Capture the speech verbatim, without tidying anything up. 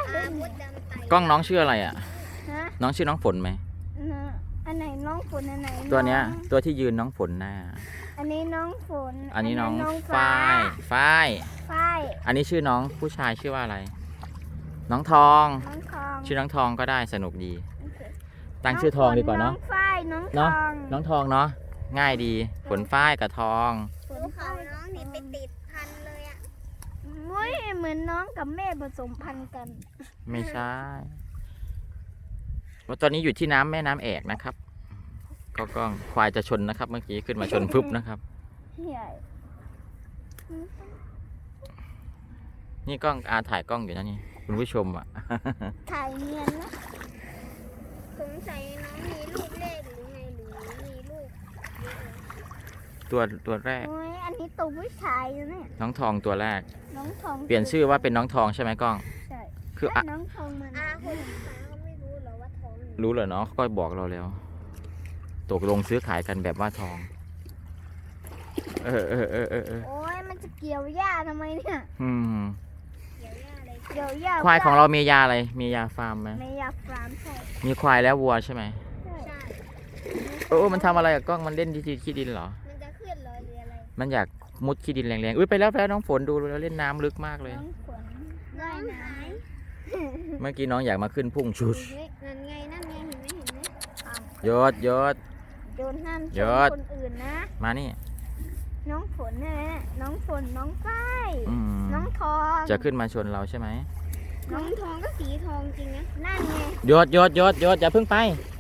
กล้องน้องชื่ออะไรอ่ะฮะน้องชื่อน้องฝนไหมนะอันไหนน้องฝนอันไหนตัวเนี้ยองตัวที่ยืนน้องฝนหน้าอันนี้น้องฝนอันนี้น้องฟ้าฝ้ายฝ้ายฝ้ายอันนี้ชื่อน้องผู้ชายชื่อว่าอะไร น้องทองน้องทองชื่อน้องทองก็ได้สนุกดีโอเคตั้งชื่อทองดีกว่าเนาะน้องฝ้ายน้องทเนาะองน้องทองเนาะง่ายดีฝนฝ้ายกับทองฝนดูเขาฝ้ายน้องนี่ไปติดพันเลยอ่ะมุ้ยเหมือนน้องกับแม่ผสมพันธุ์กันไม่ใช่ว่าตอนนี้อยู่ที่น้ำแม่น้ำแอกนะครับ ก็กล้องควายจะชนนะครับ เมื่อกี้ขึ้นมาชนปุ๊บนะครับใหญ่นี่กล้องอาถ่ายกล้องอยู่นะนี่คุณผู้ชมอ่ะถ่ายเนียนนะสงสัยน้องมีลูกเลขหรือไงหรือมีลูกเยอะเลยตัวตัวแรกโอ้ยอันนี้ตัวผู้ชายนะเนี่ยน้องทองตัวแรกน้องทองเปลี่ยนชื่อว่าเป็นน้องทองใช่ไหมกล้องใช่คืออ่ะน้องทองมันอาคนที่ฟ้าก็ไม่รู้เหรอว่าท้องอยู่รู้เหรอเนาะก็บอกเราแล้ว ตกลงซื้อขายกันแบบว่าทอง เออเออเออเออเออโอ้ยมันจะเกี่ยวหญ้าทำไมเนี่ยอืมเดี๋ยวย่าอะไรเกี่ยวหญ้าควายของเรามียาอะไร มียาฟาร์มไหมไม่อยากฟาร์มใช่มีควายแล้ววัวใช่ไหมใช่ใช่เออมันทำอะไรกับกล้องมันเล่นที่ขี้ดินเหรอมันจะขึ้นเหรอหรืออะไรมันอยากมุดขี้ดินแรงๆ อุ้ยไปแล้วไปแล้วน้องฝนดูแล้วเล่นน้ำลึกมากเลยน้องฝนน้ว่ายองน้หายเมื่อกี้น้องอยากมาขึ้นพุ่งชุดเฮ้ยนั่นไงนั่นไงเห็นไหมเห็นไหมโยดโยดำโดนห้ามชยมอดคนอื่นนะมานี่น้องฝนเนี่ยนะน้องฝนน้องฝ้ายอืมน้องทองจะขึ้นมาชนเราใช่ไหมน้องทองก็สีทองจริงนะนั่นไงโยดโยดโยดโยดอย่าเพิ่งไป